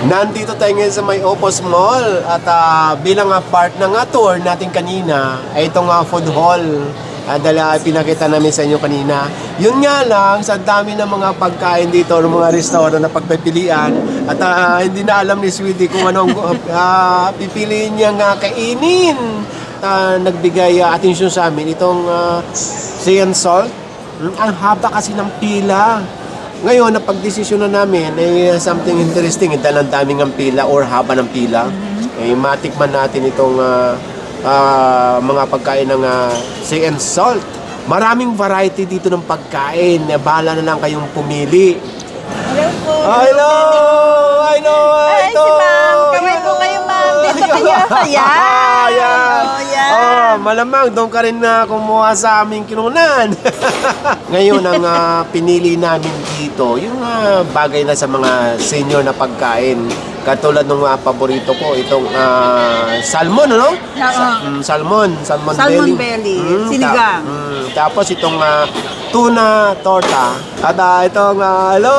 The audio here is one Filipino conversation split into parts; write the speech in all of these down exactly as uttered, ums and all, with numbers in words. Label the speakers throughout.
Speaker 1: Nandito tayo ngayon sa may Opus Mall at uh, bilang uh, part ng uh, tour natin kanina ay itong uh, food hall uh, dahil uh, pinakita namin sa inyo kanina. Yun nga lang, sa dami ng mga pagkain dito ng mga restaurant na pagpipilian at uh, hindi na alam ni Sweetie kung anong uh, pipiliin niyang uh, kainin. Uh, nagbigay uh, atensyon sa amin itong uh, sea and salt. Hmm, ang haba kasi ng pila. Ngayon, napag-desisyon na namin ay something interesting. Dahil ang daming ang pila or haba ng pila. Mm-hmm. Eh, matikman natin itong uh, uh, mga pagkain ng uh, sea and salt. Maraming variety dito ng pagkain. Bahala na lang kayong pumili.
Speaker 2: Hello po.
Speaker 1: Hello! Hello!
Speaker 2: Ay, si ma'am. Kamay po kayo, ma'am. Dito kayo. Ayan.
Speaker 1: Ayan.
Speaker 2: Oh, yan.
Speaker 1: Oh, malamang doon ka rin na kumuha sa aming kinunan. Ngayon, ang uh, pinili namin dito, yung uh, bagay na sa mga senior na pagkain. Katulad ng uh, paborito ko, itong uh, salmon, ano? Sa, um, salmon. Salmon,
Speaker 2: Salmon
Speaker 1: belly.
Speaker 2: belly.
Speaker 1: Mm,
Speaker 2: Sinigang.
Speaker 1: Ta- mm, tapos itong uh, tuna torta. At uh, itong, uh, hello!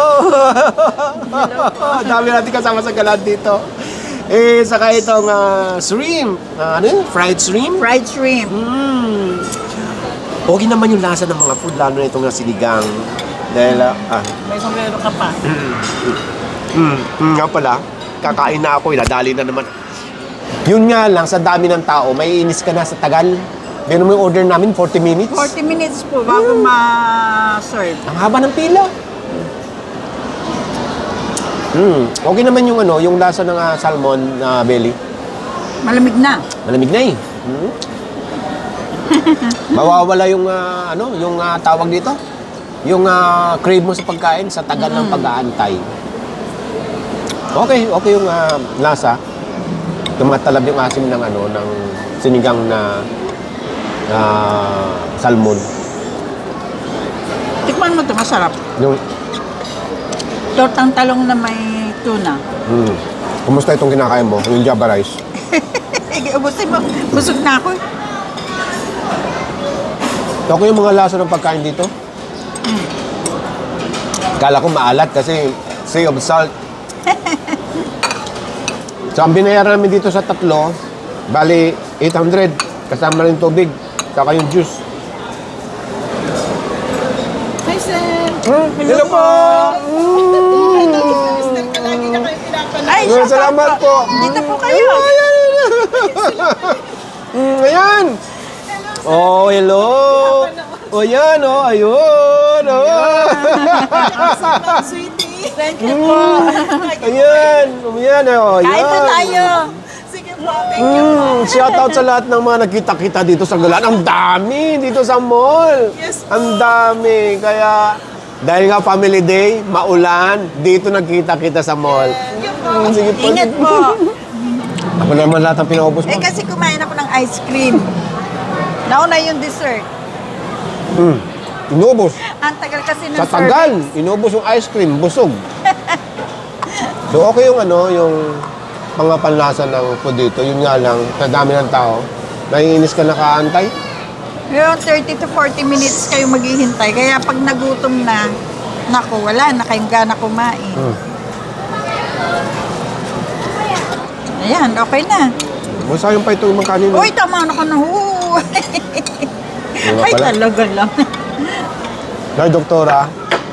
Speaker 1: Dami natin kasama sa galan dito. Eh, saka itong uh, shrimp. Uh, ano yun? Fried shrimp?
Speaker 2: Fried shrimp.
Speaker 1: Mm. Okay naman yung lasa ng mga food, lalo na itong uh, sinigang. Dahil, uh, ah.
Speaker 2: May sombrero ka pa.
Speaker 1: Mm, mm, nga pala, kakain na ako, idadali na naman. Yun nga lang, sa dami ng tao, may inis ka na sa tagal. Meron mo yung order namin, forty minutes.
Speaker 2: forty minutes po bago
Speaker 1: Mm.
Speaker 2: ma-serve.
Speaker 1: Ang haba ng pila. Mm. Okay naman yung ano, yung lasa ng uh, salmon na uh, belly.
Speaker 2: Malamig na.
Speaker 1: Malamig na eh. Mm. Mawawala yung uh, ano, yung uh, tawag dito. Yung uh, crave mo sa pagkain sa tagal mm. ng pag-aantay. Okay, okay yung uh, lasa. Tumatalab yung asim ng ano, ng sinigang na uh, salmon.
Speaker 2: Tikman mo ito, masarap.
Speaker 1: Yung
Speaker 2: Tortang talong na may tuna.
Speaker 1: mm. Kumusta itong kinakain mo? Yung Java rice?
Speaker 2: Ubusin mo. Busog na ako.
Speaker 1: Okay yung mga lasa ng pagkain dito?
Speaker 2: Mm.
Speaker 1: Kala ko maalat kasi sea of salt. So, ang binayaran namin dito sa tatlo, bali eight hundred. Kasama rin tubig. Saka yung juice.
Speaker 2: Hi, sir.
Speaker 1: Hmm, hello po!
Speaker 2: Ay,
Speaker 1: Mm, salamat po.
Speaker 2: Dito po kayo.
Speaker 1: Mm, ayan. Oh, hello. Oh, yan, oh, ayun. Oh.
Speaker 2: Thank you po.
Speaker 1: Ayan, ayan, oh, ayan.
Speaker 2: Kain po tayo. Sige po, thank you po.
Speaker 1: Mm, shout out sa lahat ng mga nagkita-kita dito sa Galan. Ang dami dito sa mall.
Speaker 2: Yes po.
Speaker 1: Ang dami. Kaya, dahil nga family day, maulan, dito nagkita-kita sa mall. Mm, sige po.
Speaker 2: Ingat po.
Speaker 1: Ako naman lahat ang pinaubos mo.
Speaker 2: Eh kasi kumain ako ng ice cream. Nauna yung dessert.
Speaker 1: Mm, inubos.
Speaker 2: Ang tagal kasi ng
Speaker 1: Sa tagal, inubos yung ice cream, busog. So okay yung ano, yung mga panlasa ng food dito. Yun nga lang, sa dami ng tao, naiinis ka nakaantay.
Speaker 2: Yung thirty to forty minutes kayo maghihintay. Kaya pag nagutom na, naku, wala na kayong gana kumain.
Speaker 1: Hmm.
Speaker 2: Ayan, okay na.
Speaker 1: Masayang pa ito yung mga kanina.
Speaker 2: Uy, tama na ka na. Oo.
Speaker 1: Diba
Speaker 2: Ay,
Speaker 1: pala?
Speaker 2: talaga lang.
Speaker 1: Nay, doktora.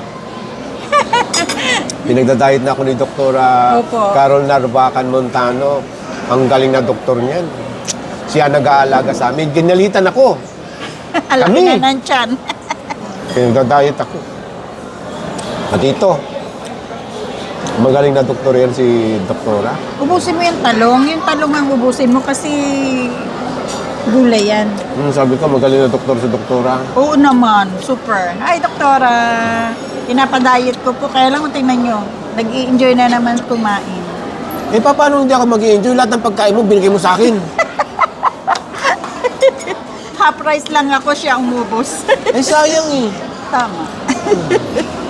Speaker 1: Pinagdadayet na ako ni Doktora
Speaker 2: Opo.
Speaker 1: Carol Narvacan Montano. Ang galing na doktor niyan. Siya nag-aalaga sa amin. Ginalitan ako.
Speaker 2: Alam
Speaker 1: Kami.
Speaker 2: na ng tiyan.
Speaker 1: Pinagdadayet ako. At ito, magaling na doktor yan si Doktora.
Speaker 2: Ubusin mo yung talong. Yung talong ang ubusin mo kasi gulay yan.
Speaker 1: Hmm, sabi ko, magaling na doktor si Doktora.
Speaker 2: Oo naman, super. Ay, doktora. Pinapadayet ko po. Kaya lang kung tingnan nyo, nag-i-enjoy na naman kumain.
Speaker 1: Eh, pa, paano hindi ako mag-i-enjoy? Lahat ng pagkain mo, binigay mo sa akin.
Speaker 2: Half price lang ako, siya ang umubos.
Speaker 1: Eh, sayang eh.
Speaker 2: Tama.